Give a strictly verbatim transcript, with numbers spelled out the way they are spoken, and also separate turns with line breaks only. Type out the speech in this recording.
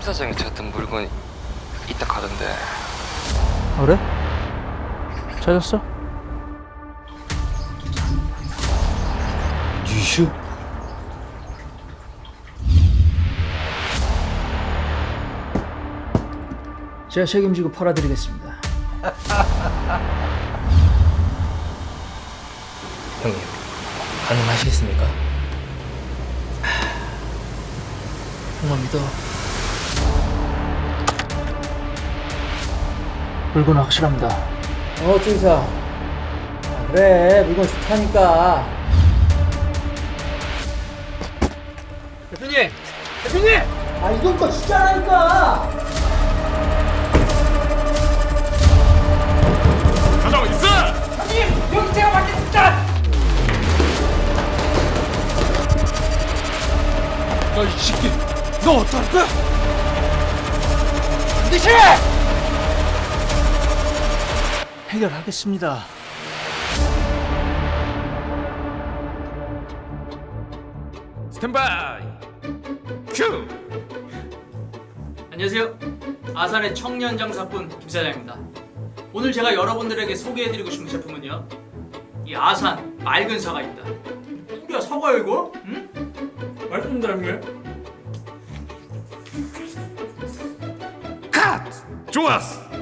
사장이 찾던 물건이 있다 가던데.
아, 그래? 찾았어?
뉴슈?
제가 책임지고 팔아드리겠습니다.
형님, 가능하시겠습니까?
정말 믿어. 물건은 확실합니다.
어, 주의사. 아, 그래, 물건 좋다니까.
대표님! 대표님!
아, 이건 거 진짜라니까.
가자고 있어!
형님, 여기 제가 맡겠습니다.
너 이 새끼, 너 어떡할 거야?
반드시!
해결하겠습니다.
스탠바이! 큐!
안녕하세요. 아산의 청년 장사꾼 김 사장입니다. 오늘 제가 여러분들에게 소개해드리고 싶은 제품은요, 이 아산 맑은 사과 있다. 뿌리야 사과야 이거? 응? 맛있습니다 형님.
컷! 좋았어!